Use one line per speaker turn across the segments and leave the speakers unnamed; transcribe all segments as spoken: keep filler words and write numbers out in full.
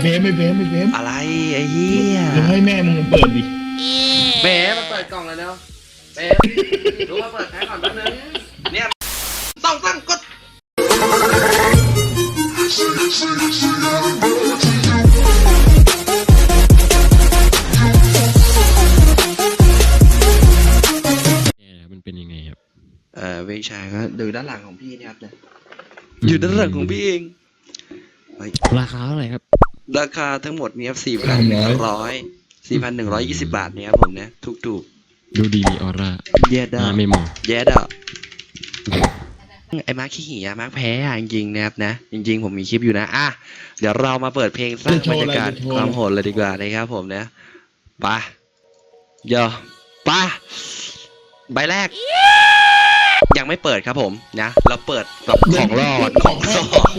เฟมไม่เฟมไม่เฟม
อะไรไอ้เหี้ย
เดี๋ยวให้แม่มึงเปิดดิ
แหมมันเปิดกล่องเลยเนาะเป๊ะรู้ว่าเปิดแพ็คก่อนแป๊บนึงเนี่ยต้องตั้งกด
มันเป็นยังไงครับ
เอ่อเวชาก็ดูด้านหลังของพี่นะครับเนี่ยอยู่ด้านหลังของพี่เอง
ราคาเท่าไหร่ครับ
ราคาทั้งหมดเนี่ยสี่พันหนึ่งร้อยสี่พันหนึ่งร้อยยี่สิบบาทเนี่ยครับผมเนี่ยถูกถูก
ดูดีมีออร่า
เย็ดอ่ะ
ไม่มอง
เย็ดอ่ะไอ้มาร์คขี้หี่อะมาร์คแพ้อะจริงๆนะครับนะจริงๆผมมีคลิปอยู่นะอ่ะเดี๋ยวเรามาเปิดเพลงสร้างบรรยากาศความโหดเลยดีกว่านะครับผมเนี่ยไปเยอะไปใบแรกยังไม่เปิดครับผมนะเราเปิดแบบของรอดของรอด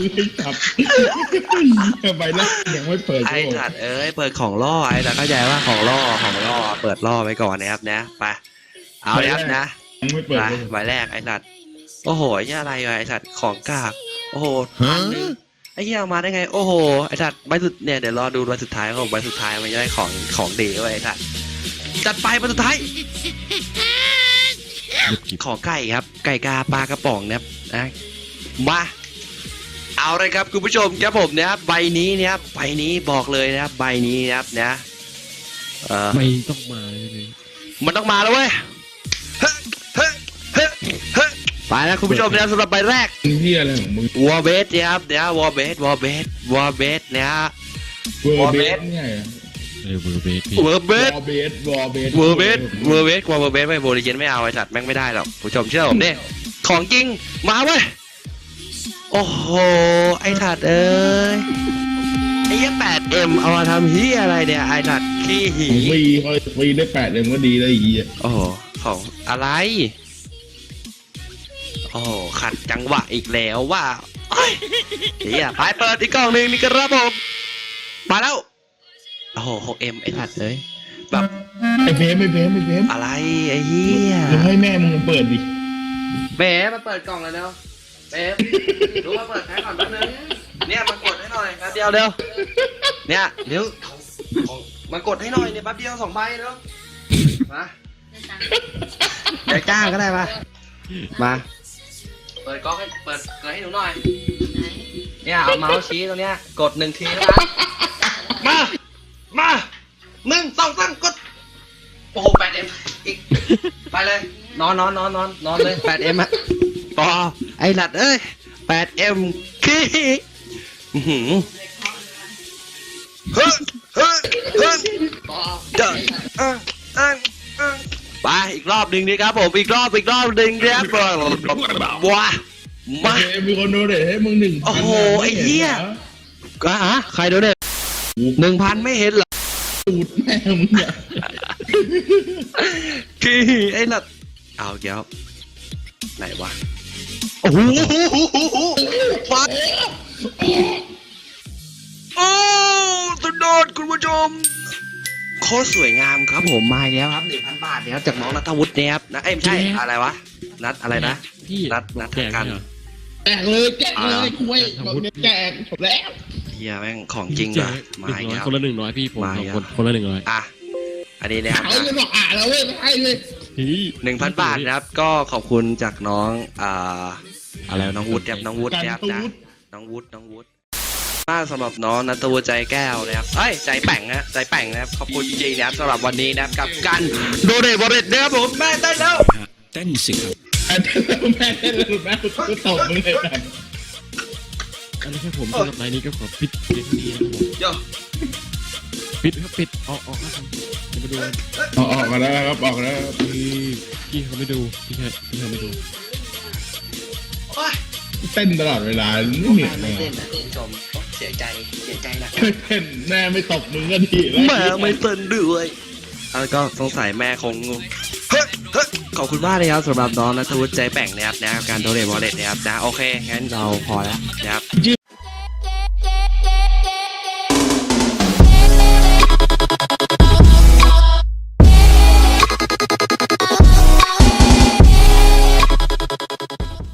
ใบแรกยังไม่เปิด
ไอ้สัตว์เอ้ยเปิดของล่อไอ้แต่เข้าใจว่าของล่อของล่อเปิดล่อไว้ก่อนนะครับนะไปเอาเลยครับนะไปใบแรกไอ้สัตว์โอ้โหไอ้อะไรไอ้สัตว์ของกากโอ้โหไอ้เหี้ยมาได้ไงโอ้โหไอ้สัตว์ใบสุดเนี่ยเดี๋ยวรอดูใบสุดท้ายของใบสุดท้ายมันจะได้ของของดีไว้ไอ้สัตว์จัดไปใบสุดท้ายขอไก่ครับไก่กาปลากระป๋องนะครับนะมาเอาเลยครับคุณผู้ชมครับผมนะครับใบนี้นะครับใบนี้บอกเลยนะครับใบนี้นะครับนะเออ
ไม่ต้องมาเลย
มันต้องมาแล้วเว้ยไปแล้วคุณผู้ชมนะครับสำหรับใบแรก
นี่อะไรของมึง
วอลเบสนะครับเนี่ยวอลเบสวอลเบสวอลเบสนะฮะ
วอลเบสเนี่ย
เออเวอร์เบส
เวอร์เบส
วอลเบสวอลเบส
เวอร์เบสเวอร์เบสกว่าเวอร์เบสไม่โบลิเจนไม่เอาไอ้สัตว์แม่งไม่ได้หรอกผู้ชมเชื่อผมดิของจริงมาเว้ยโอ้โหไอ้สัตว์เอ้ยไอ้ยี่แปดเอ็มเอามาทำเฮียอะไรเนี่ยไอ้สัตว์ขี้หี
ฟรีเขาฟรีได้แปดเอ็มก็ดีเลยอีอ่ะ
โอ้โหของอะไรโอ้โหขัดจังหวะอีกแล้วว่าเฮียไปเปิดอีกกล่องหนึ่งนี่ครับผมมาแล้วโอ้โห หกเอ็ม ไอ้สัตว์เลยแบบ
ไอ้เฟมไม่เฟมไม่เฟม
อะไรไอ้เหี้ย
เดี๋ยวให้แม่มึงเปิดดิ
เฟมมาเปิดกล่องเลยเนาะเฟมรู้ว่าเปิดแพ็คก่อนแป๊บนึงเนี่ยมากดให้หน่อยครับเดียวเดียวเนี่ยเดี๋ยวมากดให้หน่อยเนี่ยแป๊บเดียวสองใบเนาะมาเดี๋ยวจ้างก็ได้มามาเปิดกล้องให้เปิดเปิดให้หนูหน่อยเนี่ยเอาเมาส์ชี้ตรงเนี้ยกดหนึ่งทีนะมามาหนึ่งสองสามกดโอ้โหแปดเอ็มอีกไปเลยนอนนอนนอนนอนนอนเลยแปดเอ็มอะต่อไอ้หลัดเอ้ยแปดเอ็มขี้หืมเฮ้ยเฮ้ยเฮ้ยเดินอ่ะอ่ะอ่ะไปอีกรอบหนึ่งดีครับผมอีกรอบอีกรอบหนึ่งครับว้ามา
มีคนโดนเลยให้มึงหนึ่ง
โอ้โหไอ้เหี้ยก็ฮะใครโดนเนี่ยหนึ่งพันไม่เห็นเหรอ
ตูดแม่มึงเนี่ย
คือไอ้หลัดเอาเดี๋ยวไหนวะโอ้โหฟัดโอ้สุดยอดคุณผู้ชมโคตรสวยงามครับผมมาแล้วครับหนึ่งพันบาทเนี่ยจากน้องนัทวุฒิเนี่ยครับนะเอ้ยไม่ใช่อะไรวะนัดอะไรนะนัดนัดกัน
แจกเลยแจกเลยคุยแจกจบแล้ว
เฮียแม่งของจริงเลยมาอีกแล้ว
คนละหนึ่งร้อยพี่ผมคนคนละหนึ่งร้อย
อ่ะอันนี้นะครับ
เอาเลยบอกอ่าแล้วเว้ยไม่ให้เลย
หนึ่งพันบาทนะครับก็ขอบคุณจากน้องอ่าอะไรน้องวุฒิครับน้องวุฒินะครับนะน้องวุฒิน้องวุฒิถ้าสำหรับน้องนัทวุฒิใจแก้วนะครับเอ้ยใจแป่งนะใจแป่งนะครับขอบคุณจริงๆนะครับสำหรับวันนี้นะครับกับการโดเรบอริตนะครับผมแม่เต้นแล้ว
เต้นสิครับ
แม่เต้นแล้วแม่เต้นแล้วแม่ก็ตบมึงเลยแบบ
อันนี้แค่ผมสำหรับรายนี้ก็ขอปิดเพียงนี้นะครับผมปิดครับปิดออกออกครับจะมาดู
ออกออกมาแล้วครับออกแล้ว
พี่พี่เขาไม่ดูพี่เขาพี่เขาไม่ดู
เต้นตลอดเวลาไม่เหนื่อยเลย
เต้นนะคุณผู้ชมเสียใจเสียใจนะ
เต้นแม่ไม่ตบมึงก็ดี
แม่ไม่เต้นด้วยแล้วก็สงสัยแม่คงงงเฮ้ยเฮ้ยขอบคุณมากเลยครับสำหรับน้องนัทวุฒิใจแป่งนะครับนะการโดเรบอลเลตนะครับนะโอเคงั้นเราพอแล้วนะครับ